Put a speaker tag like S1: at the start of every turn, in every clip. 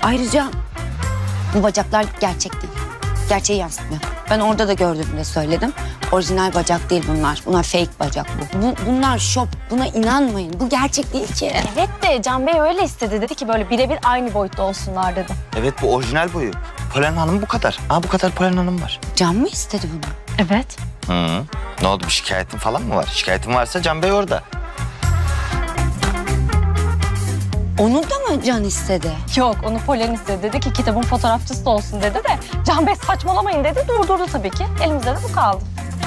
S1: Ayrıca bu bacaklar gerçek değil. Gerçeği yansıtmıyor. Ben orada da gördüğümde söyledim. Orijinal bacak değil bunlar. Bunlar fake bacak bunlar şop. Buna inanmayın. Bu gerçek değil ki.
S2: Evet de Can Bey öyle istedi. Dedi ki böyle birebir aynı boyutta olsunlar dedi.
S3: Evet, bu orijinal boyu. Polen Hanım bu kadar. Bu kadar Polen Hanım var.
S1: Can mı istedi bunu?
S2: Evet.
S3: Hı. Ne oldu, bir şikayetin falan mı var? Şikayetin varsa Can Bey orada.
S1: Onu da mı Can istedi?
S2: Yok onu Polen istedi. Dedi ki kitabın fotoğrafçısı da olsun dedi de Can Bey saçmalamayın dedi. Durdurdu tabii ki. Elimizde de bu kaldı.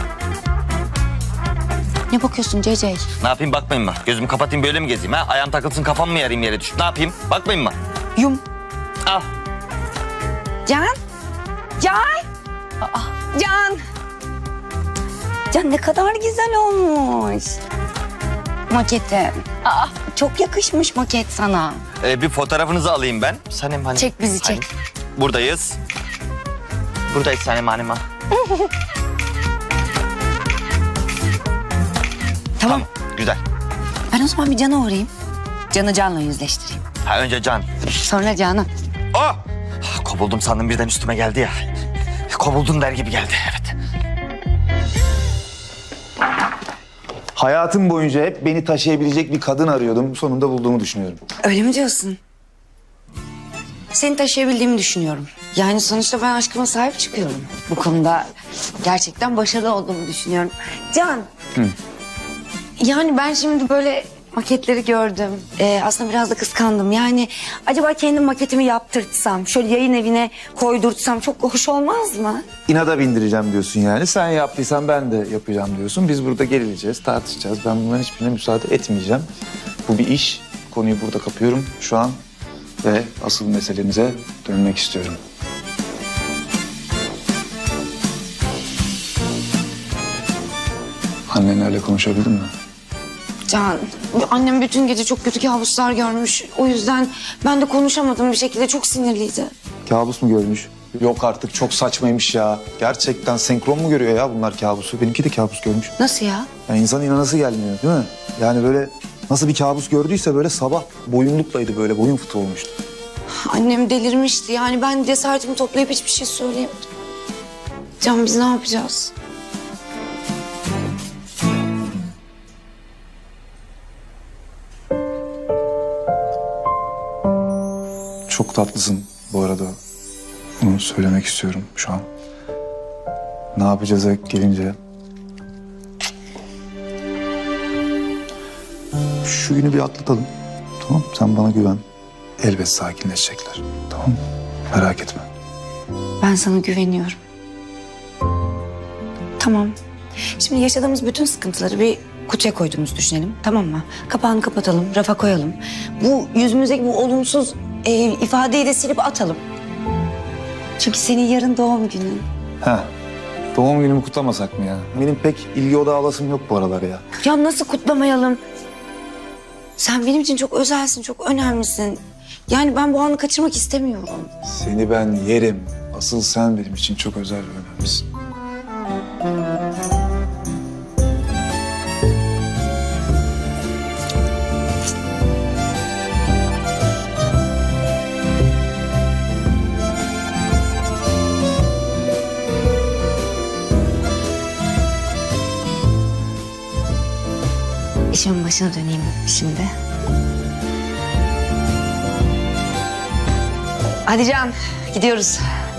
S1: Ne bakıyorsun CC?
S3: Ne yapayım, bakmayın mı? Gözümü kapatayım böyle mi gezeyim ha? Ayağım takılsın, kafam mı yarayım yere düşüp? Ne yapayım? Bakmayın mı?
S1: Yum.
S3: Al.
S1: Can? Can? Can? Can ne kadar güzel olmuş. Maketi. Çok yakışmış maket sana.
S3: Bir fotoğrafınızı alayım ben. Sanem hani.
S1: Çek bizi, çek.
S3: Hani, buradayız. Buradayız Sanem Hanım.
S1: Tamam.
S3: Güzel.
S1: Ben o zaman bir Can'a uğrayayım. Can'ı Can'la yüzleştireyim.
S3: Önce Can.
S1: Sonra Can'ı.
S3: Oh! Kovuldum sandım, birden üstüme geldi ya. Kovuldum der gibi geldi, evet.
S4: Hayatım boyunca hep beni taşıyabilecek bir kadın arıyordum. Sonunda bulduğumu düşünüyorum.
S1: Öyle mi diyorsun? Seni taşıyabildiğimi düşünüyorum. Yani sonuçta ben aşkıma sahip çıkıyorum. Bu konuda gerçekten başarılı olduğumu düşünüyorum. Can. Yani ben şimdi böyle maketleri gördüm. Aslında biraz da kıskandım. Yani acaba kendim maketimi yaptırtsam, şöyle yayın evine koydurtsam çok hoş olmaz mı?
S4: İnada bindireceğim diyorsun yani. Sen yaptıysan ben de yapacağım diyorsun. Biz burada gerileceğiz, tartışacağız. Ben bunların hiçbirine müsaade etmeyeceğim. Bu bir iş. Konuyu burada kapıyorum şu an. Ve asıl meselemize dönmek istiyorum. Annenlerle konuşabildin mi?
S1: Can, annem bütün gece çok kötü kabuslar görmüş. O yüzden ben de konuşamadım bir şekilde. Çok sinirliydi.
S4: Kabus mu görmüş? Yok artık, çok saçmaymış ya. Gerçekten senkron mu görüyor ya bunlar kabusu? Benimki de kabus görmüş.
S1: Nasıl ya?
S4: Yani insan inanası gelmiyor değil mi? Yani böyle nasıl bir kabus gördüyse böyle sabah boyunluklaydı, böyle boyun fıtığı olmuştu.
S1: Annem delirmişti. Yani ben cesaretimi toplayıp hiçbir şey söyleyemedim. Can, biz ne yapacağız?
S4: Çok tatlısın bu arada. Bunu söylemek istiyorum şu an. Ne yapacağız gelince. Şu günü bir atlatalım. Tamam, sen bana güven. Elbet sakinleşecekler. Tamam mı? Merak etme.
S1: Ben sana güveniyorum. Tamam. Şimdi yaşadığımız bütün sıkıntıları bir kutuya koyduğumuzu düşünelim. Tamam mı? Kapağını kapatalım, rafa koyalım. Bu yüzümüzdeki bu olumsuz ifadeyi de silip atalım. Çünkü senin yarın doğum günün.
S4: Heh. Doğum günümü kutlamasak mı ya? Benim pek ilgi odağı alasım yok bu aralar ya.
S1: Ya nasıl kutlamayalım? Sen benim için çok özelsin, çok önemlisin. Yani ben bu anı kaçırmak istemiyorum.
S4: Seni ben yerim. Asıl sen benim için çok özel ve önemlisin.
S1: İşimin başına döneyim şimdi. Hadi Can, gidiyoruz.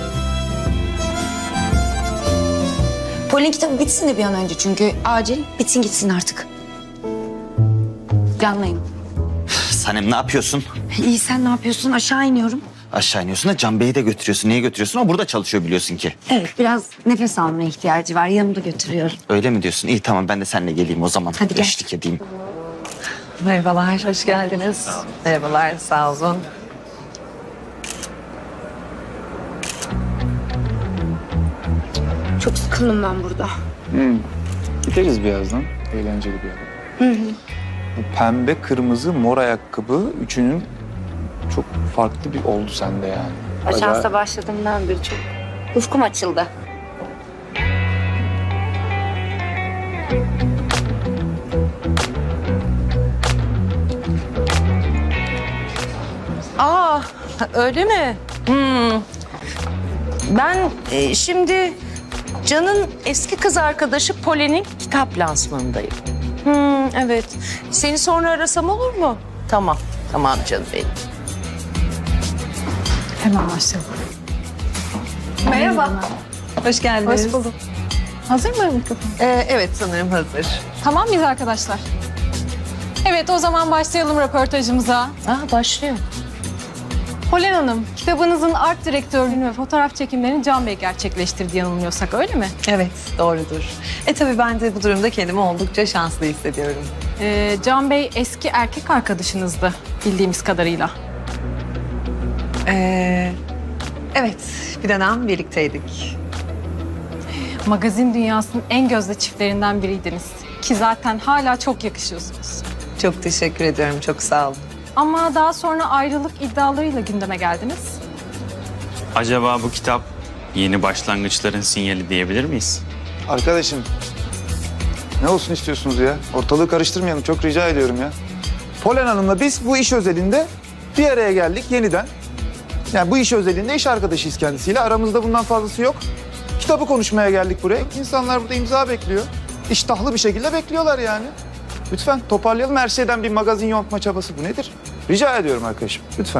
S1: Polin kitabı bitsin de bir an önce çünkü acil. Bitsin gitsin artık. Canlayın.
S3: Sanem, ne yapıyorsun?
S1: İyi, sen ne yapıyorsun? Aşağı iniyorum.
S3: Aşağı iniyorsun da Can Bey'i de götürüyorsun. Niye götürüyorsun? O burada çalışıyor biliyorsun ki.
S1: Evet, biraz nefes almaya ihtiyacı var. Yanımda götürüyorum.
S3: Öyle mi diyorsun? İyi, tamam, ben de seninle geleyim o zaman.
S1: Hadi gel.
S3: Eşlik edeyim.
S5: Merhabalar, hoş geldiniz. Merhabalar, sağ olun.
S1: Çok sıkıldım ben burada.
S4: Gideriz birazdan. Eğlenceli bir yer. Bu pembe, kırmızı, mor ayakkabı üçünün çok farklı bir oldu sende yani.
S1: Ajansa başladığımdan beri çok ufkum açıldı.
S5: Aa, Öyle mi? Ben şimdi Can'ın eski kız arkadaşı Polen'in kitap lansmanındayım. Evet. Seni sonra arasam olur mu? Tamam. Tamam canım benim.
S2: Hemen başlayalım.
S5: Merhaba. Hoş geldiniz.
S2: Hoş bulduk. Hazır mı mikrofon?
S5: Evet sanırım hazır.
S2: Tamam mıyız arkadaşlar? Evet, o zaman başlayalım röportajımıza.
S5: Başlıyor.
S2: Polen Hanım, kitabınızın art direktörlüğünü ve fotoğraf çekimlerini Can Bey gerçekleştirdi yanılmıyorsak, öyle mi?
S5: Evet doğrudur. Tabii ben de bu durumda kendimi oldukça şanslı hissediyorum.
S2: Can Bey eski erkek arkadaşınızdı bildiğimiz kadarıyla.
S5: Evet bir dönem birlikteydik.
S2: Magazin dünyasının en gözde çiftlerinden biriydiniz. Ki zaten hala çok yakışıyorsunuz.
S5: Çok teşekkür ediyorum. Çok sağ olun.
S2: Ama daha sonra ayrılık iddialarıyla gündeme geldiniz.
S6: Acaba bu kitap yeni başlangıçların sinyali diyebilir miyiz?
S4: Arkadaşım ne olsun istiyorsunuz ya? Ortalığı karıştırmayalım, çok rica ediyorum ya. Polen Hanım'la biz bu iş özelinde bir araya geldik yeniden. Yani bu iş özelinde iş arkadaşıyız kendisiyle. Aramızda bundan fazlası yok. Kitabı konuşmaya geldik buraya. İnsanlar burada imza bekliyor. İştahlı bir şekilde bekliyorlar yani. Lütfen toparlayalım. Her şeyden bir magazin yontma çabası bu nedir? Rica ediyorum arkadaşım. Lütfen.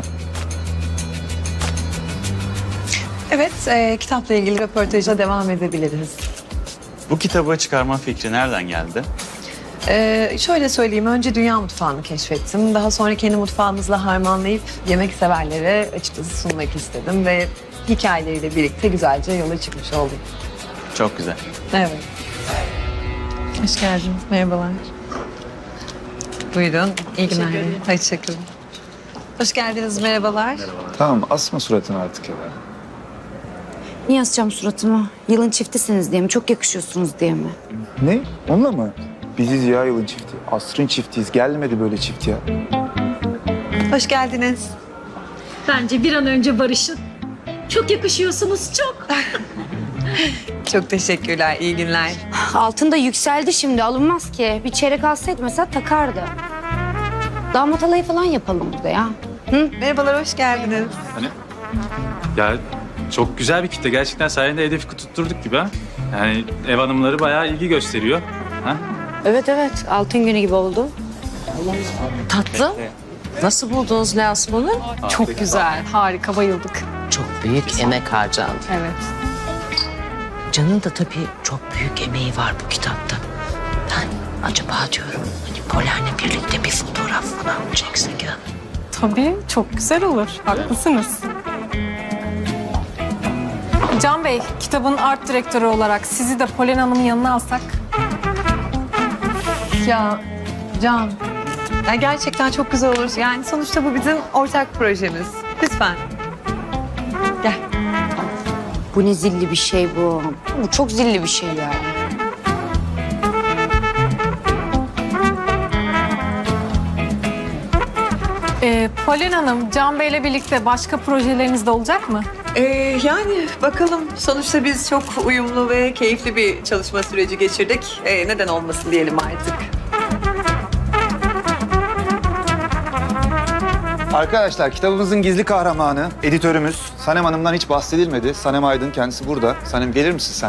S5: Evet, kitapla ilgili röportaja devam edebiliriz.
S6: Bu kitabı çıkarma fikri nereden geldi?
S5: Şöyle söyleyeyim, önce dünya mutfağını keşfettim. Daha sonra kendi mutfağımızla harmanlayıp yemek severlere açıkçası sunmak istedim. Ve hikayeleriyle birlikte güzelce yola çıkmış oldum.
S6: Çok güzel.
S5: Evet. Hoş geldiniz, merhabalar. Buyurun, iyi günler. Hoşçakalın. Hoş geldiniz, merhabalar.
S4: Tamam, asma suratını artık ya.
S1: Niye asacağım suratımı? Yılın çiftisiniz diye mi? Çok yakışıyorsunuz diye mi?
S4: Ne? Onunla mı? Biziz ya yılın çifti. Asrın çiftiyiz. Gelmedi böyle çift ya.
S5: Hoş geldiniz.
S7: Bence bir an önce barışın. Çok yakışıyorsunuz, çok.
S5: Çok teşekkürler, iyi günler.
S1: Altın da yükseldi şimdi, alınmaz ki. Bir çeyrek alsaydı mesela takardı. Damat alayı falan yapalım burada ya.
S5: Merhabalar, hoş geldiniz.
S8: Ya çok güzel bir kitle. Gerçekten sayende hedefi tutturduk gibi ha. Yani ev hanımları bayağı ilgi gösteriyor. Ha?
S1: Evet evet, altın günü gibi oldu.
S5: Tatlım, nasıl buldunuz lansmanı?
S2: Çok güzel, harika, bayıldık.
S9: Çok büyük emek harcandı.
S2: Evet.
S9: Can'ın da tabii çok büyük emeği var bu kitapta. Ben acaba diyorum hani Polen'le birlikte bir fotoğraf falan mı çeksek ya?
S2: Tabii, çok güzel olur. Haklısınız. Can Bey, kitabın art direktörü olarak sizi de Polen Hanım'ın yanına alsak.
S5: Ya Can, ya gerçekten çok güzel olur. Yani sonuçta bu bizim ortak projemiz. Lütfen. Gel.
S1: Bu ne zilli bir şey bu. Bu çok zilli bir şey yani.
S2: Polen Hanım, Can Bey'le birlikte başka projeleriniz de olacak mı?
S5: Yani bakalım. Sonuçta biz çok uyumlu ve keyifli bir çalışma süreci geçirdik. Neden olmasın diyelim artık.
S4: Arkadaşlar kitabımızın gizli kahramanı, editörümüz Sanem Hanım'dan hiç bahsedilmedi. Sanem Aydın kendisi burada. Sanem gelir misin sen?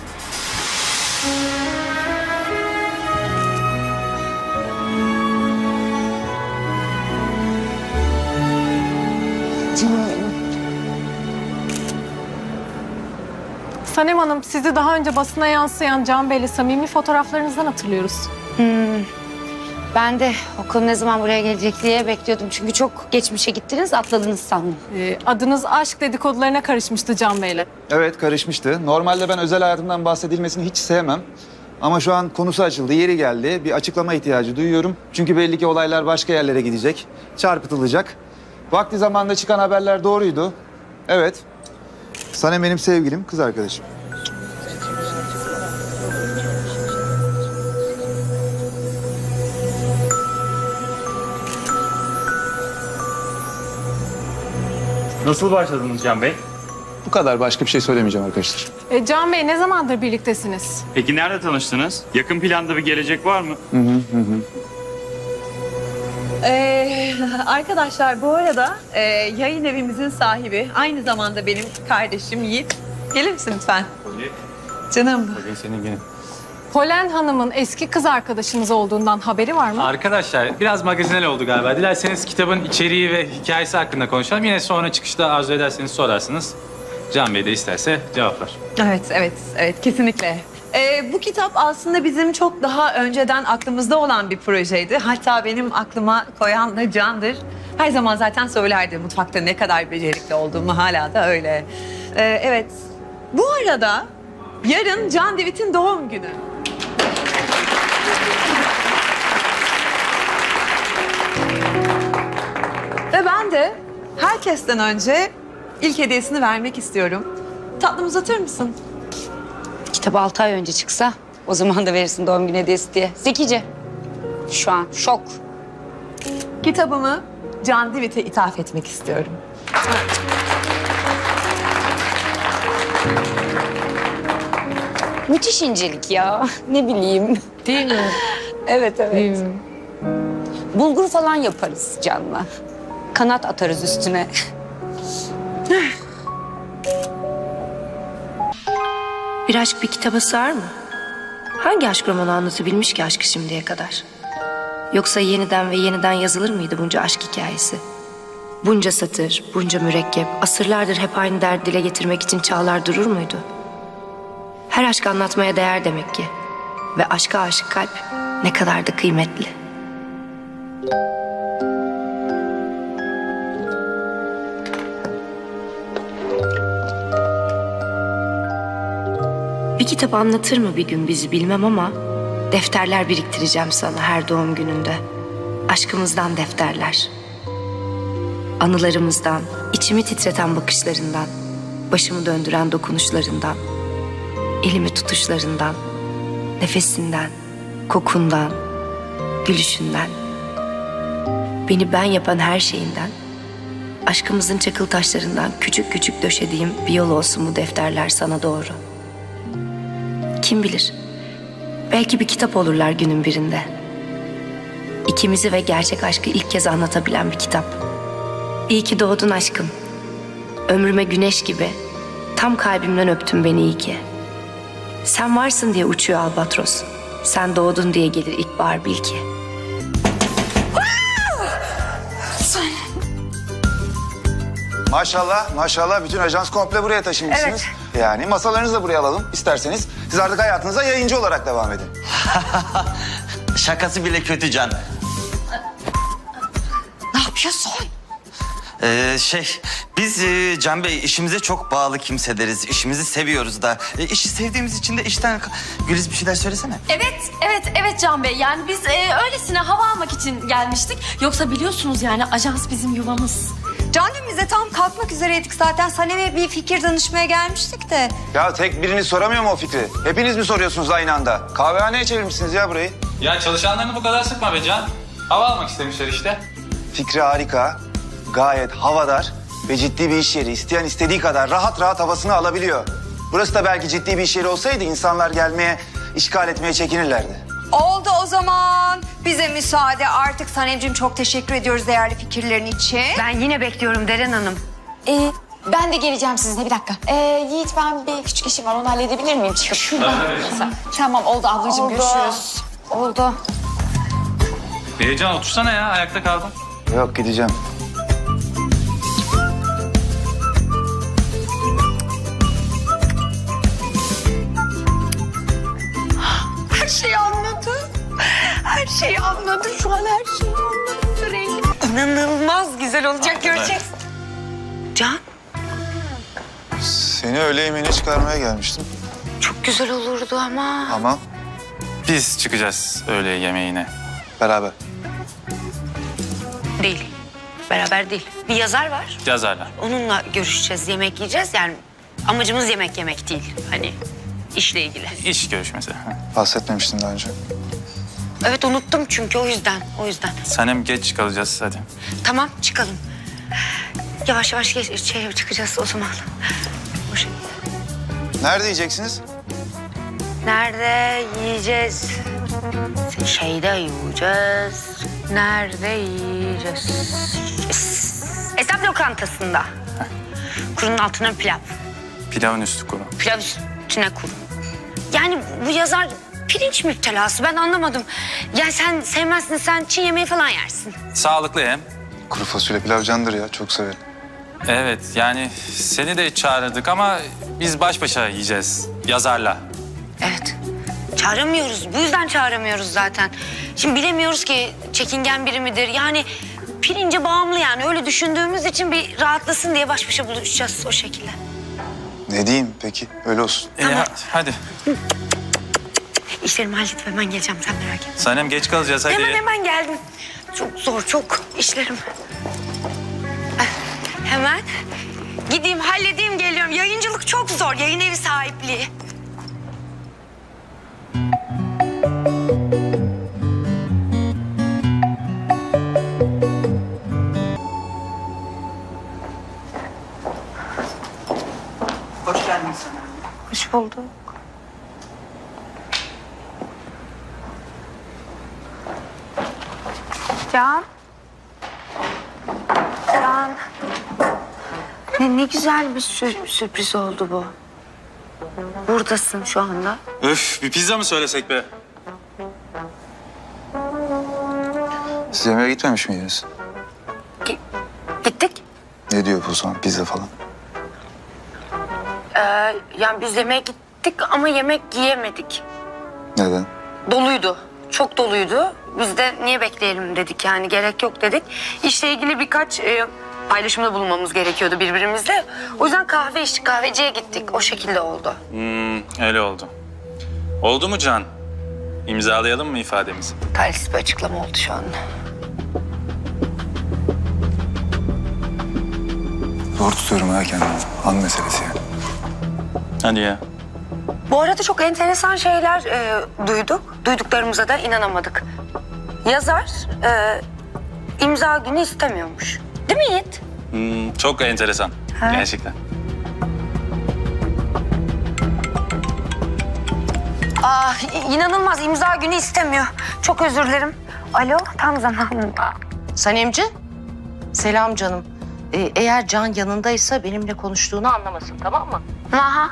S2: Sanem Hanım, sizi daha önce basına yansıyan Can Bey'le samimi fotoğraflarınızdan hatırlıyoruz.
S1: Ben de o konu ne zaman buraya gelecek diye bekliyordum. Çünkü çok geçmişe gittiniz, atladınız sandım.
S2: Adınız aşk dedikodularına karışmıştı Can Bey'le.
S4: Evet karışmıştı. Normalde ben özel hayatımdan bahsedilmesini hiç sevmem. Ama şu an konusu açıldı, yeri geldi. Bir açıklama ihtiyacı duyuyorum. Çünkü belli ki olaylar başka yerlere gidecek, çarpıtılacak. Vakti zamanında çıkan haberler doğruydu. Evet. Sanem benim sevgilim, kız arkadaşım.
S8: Nasıl başladınız Can Bey?
S4: Bu kadar, başka bir şey söylemeyeceğim arkadaşlar.
S2: Can Bey, ne zamandır birliktesiniz?
S6: Peki nerede tanıştınız? Yakın planda bir gelecek var mı?
S5: Arkadaşlar bu arada yayın evimizin sahibi, aynı zamanda benim kardeşim Yiğit. Gelir misin lütfen? Canım.
S8: Bugün senin günün.
S2: Polen Hanım'ın eski kız arkadaşınız olduğundan haberi var mı?
S8: Arkadaşlar biraz magazinel oldu galiba. Dilerseniz kitabın içeriği ve hikayesi hakkında konuşalım. Yine sonra çıkışta arzu ederseniz sorarsınız. Can Bey de isterse cevaplar.
S5: Evet, kesinlikle. Bu kitap aslında bizim çok daha önceden aklımızda olan bir projeydi. Hatta benim aklıma koyan da Can'dır. Her zaman zaten söylerdi mutfakta ne kadar becerikli olduğumu, hala da öyle. Evet, bu arada yarın Can Divit'in doğum günü. Ve ben de herkesten önce ilk hediyesini vermek istiyorum. Tatlım uzatır mısın?
S1: Kitap 6 ay önce çıksa o zaman da verirsin doğum günü hediyesi diye. Zekice. Şu an şok.
S5: Kitabımı Can Divit'e ithaf etmek istiyorum.
S1: Müthiş incelik ya. Ne bileyim.
S2: Değil mi?
S1: Evet. Bulgur falan yaparız Can'la. Kanat atarız üstüne.
S9: Bir aşk bir kitaba sığar mı? Hangi aşk romanı anlatabilmiş ki aşkı şimdiye kadar? Yoksa yeniden ve yeniden yazılır mıydı bunca aşk hikayesi? Bunca satır, bunca mürekkep, asırlardır hep aynı derdi dile getirmek için çağlar durur muydu? Her aşk anlatmaya değer demek ki. Ve aşka aşık kalp ne kadar da kıymetli. Bir kitap anlatır mı bir gün bizi bilmem ama defterler biriktireceğim sana her doğum gününde. Aşkımızdan defterler. Anılarımızdan, içimi titreten bakışlarından, başımı döndüren dokunuşlarından, elimi tutuşlarından, nefesinden, kokundan, gülüşünden, beni ben yapan her şeyinden, aşkımızın çakıl taşlarından küçük küçük döşediğim bir yol olsun bu defterler sana doğru. Kim bilir, belki bir kitap olurlar günün birinde. İkimizi ve gerçek aşkı ilk kez anlatabilen bir kitap. İyi ki doğdun aşkım. Ömrüme güneş gibi, tam kalbimden öptün beni iyi ki. Sen varsın diye uçuyor albatros. Sen doğdun diye gelir ilkbahar bil ki.
S10: Maşallah bütün ajans komple buraya taşınmışsınız. Yani masalarınızı da buraya alalım isterseniz. Siz artık hayatınıza yayıncı olarak devam edin.
S3: Şakası bile kötü Can.
S1: Ne yapıyorsun?
S3: Biz Can Bey işimize çok bağlı kimseleriz. İşimizi seviyoruz da. İşi sevdiğimiz için de işten... Güliz bir şeyler söylesene.
S2: Evet Can Bey. Yani biz öylesine hava almak için gelmiştik. Yoksa biliyorsunuz yani ajans bizim yuvamız.
S1: Can'cığım biz de tam kalkmak üzereydik zaten. Sanem'e bir fikir danışmaya gelmiştik de.
S10: Ya tek biriniz soramıyor mu o fikri? Hepiniz mi soruyorsunuz aynı anda? Kahvehaneye çevirmişsiniz ya burayı.
S8: Ya çalışanlarını bu kadar sıkma be Can. Hava almak istemişler işte.
S10: Fikri harika, gayet havadar ve ciddi bir iş yeri. İsteyen istediği kadar rahat rahat havasını alabiliyor. Burası da belki ciddi bir iş yeri olsaydı insanlar gelmeye, işgal etmeye çekinirlerdi.
S1: Oldu o zaman. Bize müsaade. Artık Sanemciğim çok teşekkür ediyoruz değerli fikirlerin için.
S9: Ben yine bekliyorum Deren Hanım.
S11: Ben de geleceğim sizinle bir dakika. Yiğit ben bir küçük işim var onu halledebilir miyim çıkıp? Tamam oldu ablacığım görüşürüz.
S1: Oldu.
S8: Can otursana ya ayakta kaldın.
S10: Yok gideceğim.
S1: Her şeyi anladı. Her şeyi anladı. Şu an her şeyi anladı. Rengi İnanılmaz güzel olacak göreceksin.
S9: Can,
S10: Seni öğle yemeğine çıkarmaya gelmiştim.
S9: çok güzel olurdu ama.
S10: Ama
S8: Biz çıkacağız öğle yemeğine.
S10: beraber.
S9: Değil. Beraber değil. Bir yazar var.
S8: Yazarlar.
S9: Onunla görüşeceğiz, yemek yiyeceğiz. Yani amacımız yemek yemek değil. Hani işle ilgili.
S8: İş görüşmesi.
S10: Bahsetmemiştin daha önce.
S9: Evet unuttum çünkü o yüzden.
S8: Sanem geç kalacağız hadi.
S9: Tamam çıkalım. Yavaş yavaş çıkacağız o zaman. O şey.
S10: Nerede yiyeceksiniz?
S9: Nerede yiyeceğiz? Şeyde yiyeceğiz.
S1: Nerede yiyeceğiz? Esnaf lokantasında. Kurunun altına pilav.
S6: Pilavın üstü kuru.
S1: Pilav üstüne kuru. Yani bu yazar pirinç müptelası, ben anlamadım. Ya sen sevmezsin, sen Çin yemeği falan yersin.
S6: Sağlıklı hem.
S10: Kuru fasulye pilav candır ya, çok severim.
S6: Evet yani seni de çağırdık ama biz baş başa yiyeceğiz yazarla.
S1: Evet. Çağıramıyoruz. Bu yüzden çağıramıyoruz zaten. Şimdi bilemiyoruz ki çekingen biri midir? Yani pirince bağımlı yani. Öyle düşündüğümüz için bir rahatlasın diye baş başa buluşacağız o şekilde.
S10: Ne diyeyim peki, öyle olsun.
S6: Hadi.
S1: İşlerimi halledip hemen geleceğim, sen merak etme.
S6: Sanem geç kalacağız hadi.
S1: Hemen geldim. Çok zor, çok işlerim. Hemen gideyim, halledeyim, geliyorum. Yayıncılık çok zor, yayın evi sahipliği.
S3: Hoş geldin sana.
S1: Hoş bulduk. Can. Can. Ne güzel bir sürpriz oldu bu. Buradasın şu anda.
S6: Öf bir pizza mı söylesek be?
S10: Siz yemeğe gitmemiş miydiniz?
S1: Gittik.
S10: Ne diyor bu zaman, pizza falan?
S1: Yani biz yemeğe gittik ama yemek yiyemedik.
S10: Neden?
S1: Doluydu. Çok doluydu. Biz de niye bekleyelim dedik, yani gerek yok dedik. İşle ilgili birkaç paylaşımda bulunmamız gerekiyordu birbirimizle. O yüzden kahve içtik, kahveciye gittik. O şekilde oldu.
S6: Öyle oldu. Oldu mu Can? İmzalayalım mı ifademizi?
S1: Talihsiz bir açıklama oldu şu anda.
S10: Zor tutuyorum ha kendimi. An meselesi yani.
S6: Hadi ya.
S1: Bu arada çok enteresan şeyler duyduk. Duyduklarımıza da inanamadık. Yazar imza günü istemiyormuş. Değil mi Yiğit?
S6: Çok enteresan.
S1: Ha.
S6: Gerçekten.
S1: İnanılmaz, imza günü istemiyor. Çok özür dilerim. Alo, tam zamanında.
S12: Sanemci, selam canım. Eğer Can yanındaysa benimle konuştuğunu anlamasın, tamam mı?
S1: Ha.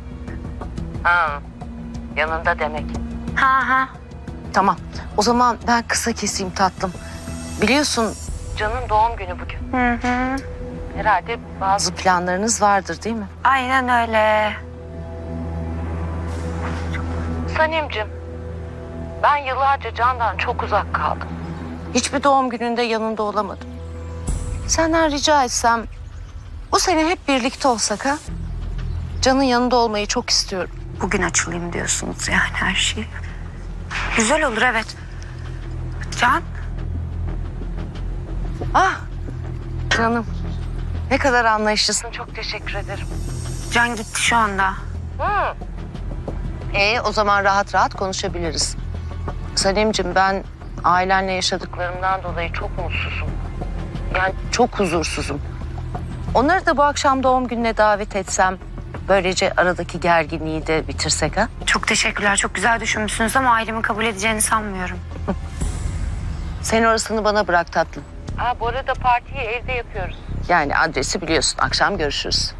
S12: Yanında demek.
S1: Ha.
S12: Tamam, o zaman ben kısa keseyim tatlım. Biliyorsun Can'ın doğum günü bugün.
S1: Hı.
S12: Herhalde bazı planlarınız vardır değil mi?
S1: Aynen öyle.
S12: Sanemcim, ben yıllarca Can'dan çok uzak kaldım. Hiçbir doğum gününde yanında olamadım. Senden rica etsem bu sene hep birlikte olsak ha? Can'ın yanında olmayı çok istiyorum.
S1: Bugün açılayım diyorsunuz yani her şey. Güzel olur, evet. Can?
S12: Ah canım, ne kadar anlayışlısın, çok teşekkür ederim.
S1: Can gitti şu anda.
S12: O zaman rahat rahat konuşabiliriz. Sanemciğim, ben ailenle yaşadıklarımdan dolayı çok mutsuzum. Yani çok huzursuzum. Onları da bu akşam doğum gününe davet etsem, böylece aradaki gerginliği de bitirsek ha?
S1: Çok teşekkürler, çok güzel düşünmüşsünüz ama ailemin kabul edeceğini sanmıyorum.
S12: Sen orasını bana bırak tatlım. Bu arada partiyi evde yapıyoruz. Yani adresi biliyorsun, akşam görüşürüz.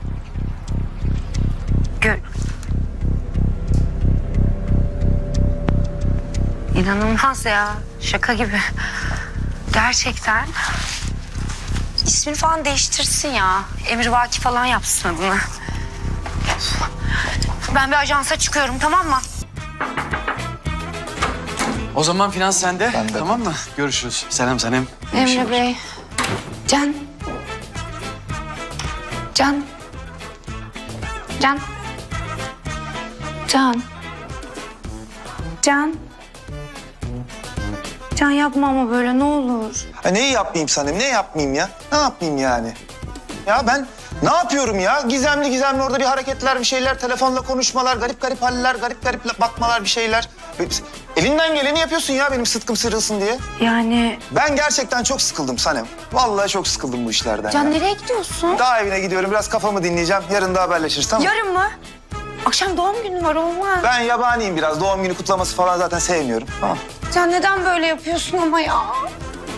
S1: İnanılmaz ya, şaka gibi. Gerçekten. İsmini falan değiştirsin ya. Emrivaki falan yapsın adını. Ben bir ajansa çıkıyorum, tamam mı?
S3: O zaman finans sende.
S10: Bende.
S3: Tamam mı? Görüşürüz. Selam Sanem.
S1: Emre Bey. Can. Can. Can. Can. Can. Can yapma ama böyle, ne olur.
S10: Neyi yapmayayım Sanem, ne yapmayayım ya? Ne yapmayayım yani? Ya ben ne yapıyorum ya? Gizemli gizemli orada bir hareketler, bir şeyler, telefonla konuşmalar, garip garip haller, garip garip bakmalar, bir şeyler. Elinden geleni yapıyorsun ya benim sıtkım sırılsın diye.
S1: Yani...
S10: Ben gerçekten çok sıkıldım Sanem. Vallahi çok sıkıldım bu işlerden
S1: Can
S10: ya.
S1: nereye gidiyorsun?
S10: Daha evine gidiyorum, biraz kafamı dinleyeceğim. Yarın da haberleşiriz, tamam mı?
S1: Yarın mı? Akşam doğum günü var, olmaz.
S10: Ben yabaniyim biraz. Doğum günü kutlaması falan zaten sevmiyorum. Tamam.
S1: Can neden böyle yapıyorsun ama ya?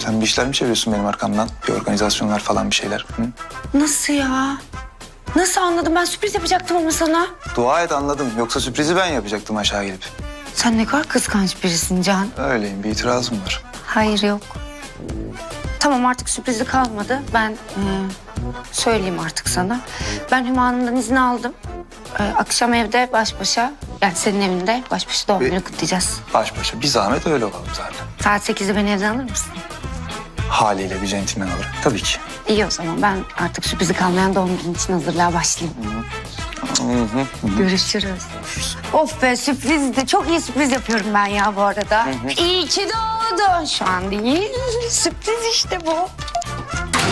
S4: Sen bir işler mi çeviriyorsun benim arkamdan? Bir organizasyonlar falan bir şeyler. Hı?
S1: Nasıl ya? Nasıl anladım? Ben sürpriz yapacaktım ama sana.
S4: Dua et anladım. Yoksa sürprizi ben yapacaktım aşağı gelip.
S1: Sen ne kadar kıskanç birisin Can.
S4: Öyleyim, bir itirazım var.
S1: Hayır yok. Tamam artık sürprizi kalmadı. Ben söyleyeyim artık sana. Ben Hüma Hanım'dan izin aldım. Akşam evde baş başa, yani senin evinde baş başa doğum günü kutlayacağız.
S4: Baş başa. Bir zahmet öyle olalım zaten.
S1: Saat 8'de beni evden alır mısın?
S4: Haliyle bir centilmen alırım. Tabii ki.
S1: İyi o zaman ben artık sürprizi kalmayan doğum günü için hazırlığa başlayayım. Görüşürüz. Of be sürprizdi. Çok iyi sürpriz yapıyorum ben ya bu arada. İyi ki doğdun. Şu an değil. Sürpriz işte bu.